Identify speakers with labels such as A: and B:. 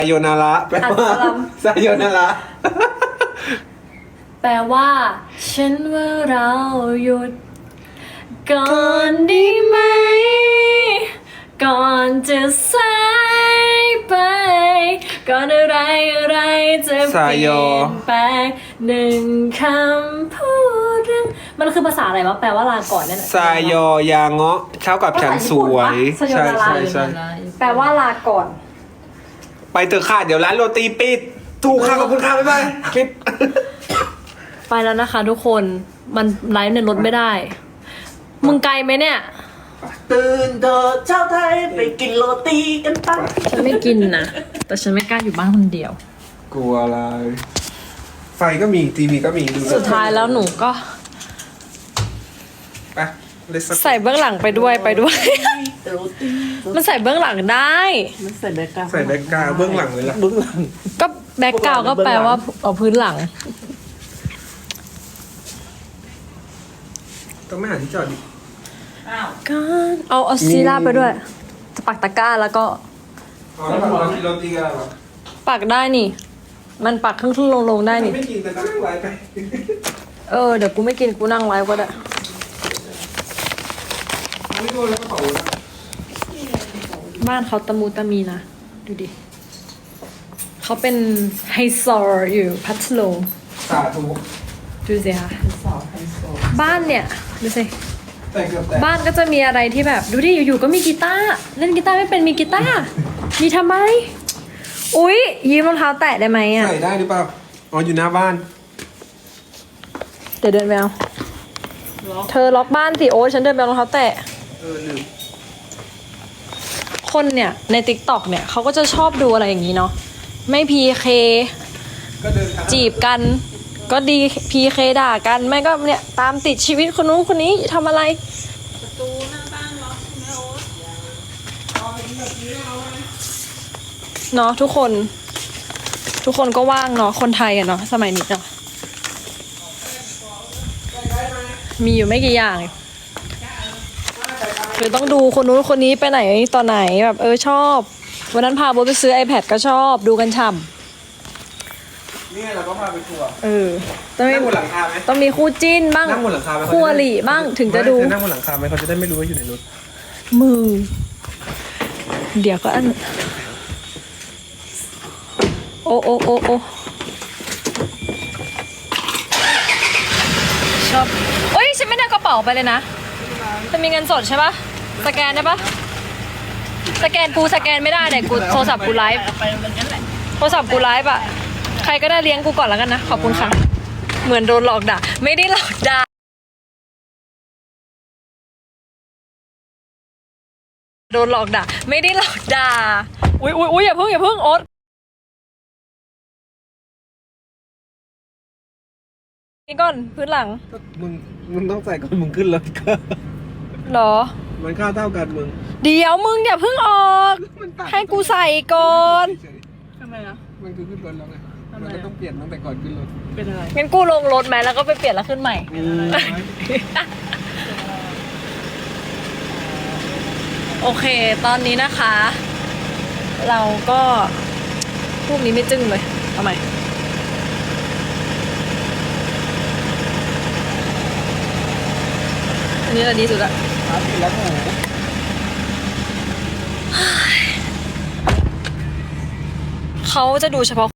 A: โยนาระแปลว่าไซโยนาระ
B: แปลว่าฉันว่าเราหยุดก่อนดีไหมก่อนจะสายไปก่อนอะไรจะเปลี่ยนแปลงหนึ่งคำพูดเรื่องมันคือภาษาอะไรวะแปลว่าลาก่อนเนี่ย
A: ไซโยยาเงาะเท่ากับฉันสวยใช่
B: แปลว่าลาก่อน
A: ไปเถอะค่ะเดี๋ยวร้านโรตีปิดถูกค่ะขอบคุณค่ะบ๊ายบายปิด
B: ไปแล้วนะคะทุกคนมันไลฟ์ในรถไม่ได้มึงไกลไหมเนี่ย
C: ตื่นเถอะเช้าไทยไปกินโรตีกันปะ
B: ฉันไม่กินนะแต่ฉันไม่กล้าอยู่บ้านคนเดียว
A: กลัวอะไรไฟก็มีทีวีก็มีดู
B: สุดท้ายแล้วหนูก็
A: ไป
B: ใส่เบื้องหลังไปด้วยมันใส่เบื้องหลังได้
C: มันใส่แบ็กกราวด์
A: ใส่แบ็กกราวด์เบื้องหลังเลยล่ะ
C: เบื้องหลัง
B: ก็แบ็กกราวด์ก็แปลว่าเอาพื้นหลัง
A: ต้องไม่หาที่จอดดิ
B: ก็เอาซีล่าไปด้วยจะปักตะกร้าแล้วก็
A: แล้วเรากินโรตีกันหรอ
B: ปักได้นี่มันปักครึ่งลงได้นี่
A: ไม่กินแต่ก็นั่งไลฟ์ไป
B: เดี๋ยวกูไม่กินกูนั่งไลฟ์ก็ได้
A: ไม่โดนแล้วก็เผานะ
B: บ้านเขาตะมูตะมีนะดูดิเขาเป็นไฮโซอยู่พัทลุง
A: สาธุ
B: ดูสิค่ะบ้านเนี่ยดูสิ
A: แต่เกือบแต่
B: บ้านก็จะมีอะไรที่แบบดูดิอยู่ๆก็มีกีตาร์เล่นกีตาร์ไม่เป็นมีกีตาร์มีทำไมอุ๊ยยืมรองเท้าแตะได้ไหมอ่ะ
A: ใส่ได้หรือเปล่าอ๋ออยู่หน้าบ้าน
B: เดี๋ยวเดินไปเอาเธอล็อกบ้านสิโอ้ฉันเดินไปเอารองเท้าแตะ
A: ลืม
B: คนเนี่ยใน TikTok เนี่ยเขาก็จะชอบดูอะไรอย่างนี้เนาะไม่ PK
A: ก็เดิน
B: จีบกันก็ดี PK ด่ากันไม่ก็เนี่ยตามติดชีวิตคนนู้นคนนี้ทำอะไรประตูหน้าบ้านล็อกใช่ไหมโอ๊ตเนาะทุกคนก็ว่างเนาะคนไทยอะเนาะสมัยนี้เนาะมีอยู่ไม่กี่อย่างคือต้องดูคนนู้นคนนี้ไปไหนตอนไหนแบบชอบวันนั้นพาโบไปซื้อ iPad ก็ชอบดูกันฉ่ำ
A: นี่เราก็พาไปทัวร์
B: ต้อง
A: นั่งบนหลังคาไหม
B: ต้องมีคู่จิ้นบ้าง
A: นั่งบนหลังคาไหม
B: คู่อริบ้างถึงจะดู
A: นั่งบนหลังคาไหมเขาจะได้ไม่รู้ว่าอยู่ในรถ
B: มือเดี๋ยวก็อันโอ้ชอบโอ้ยฉันไม่ได้กระเป๋าไปเลยนะจะมีเงินสดใช่ปะสแกนได้ปะสแกนกูสแกนไม่ได้แต่กูโทรศัพท์กูไลฟ์โทรศัพท์กูไลฟ์อะใครก็ได้เลี้ยงกูก่อนแล้วกันนะขอบคุณค่ะเหมือนโดนหลอกด่าไม่ได้หลอกด่าโดนหลอกด่าไม่ได้หลอกด่าอุ๊ยอย่าเพิ่งโอ๊ตนี่ก่อนพื้นหลัง
A: มึงต้องใส่ก่อนมึงขึ้นรถก็
B: หรอ
A: มันค่าเท่ากันมึง
B: เดี๋ยวมึงอย่าเพิ่งออกให้กูใส่ก่อน
C: ทำไมล่ะ
A: มันคือขึ้นรถแล้วไงมันก็ต้องเปลี่ยนตั้งแต่ก่อนขึ้นรถ
C: เป็นอะไร
B: งั้นกูลงรถไหมแล้วก็ไปเปลี่ยนแล้วขึ้นใหม่โอเคตอนนี้นะคะ เราก็พวกนี้ไม่จึ้งเลยเอาใหม่อันนี้แหละดีสุดละเขาจะดูเฉพาะ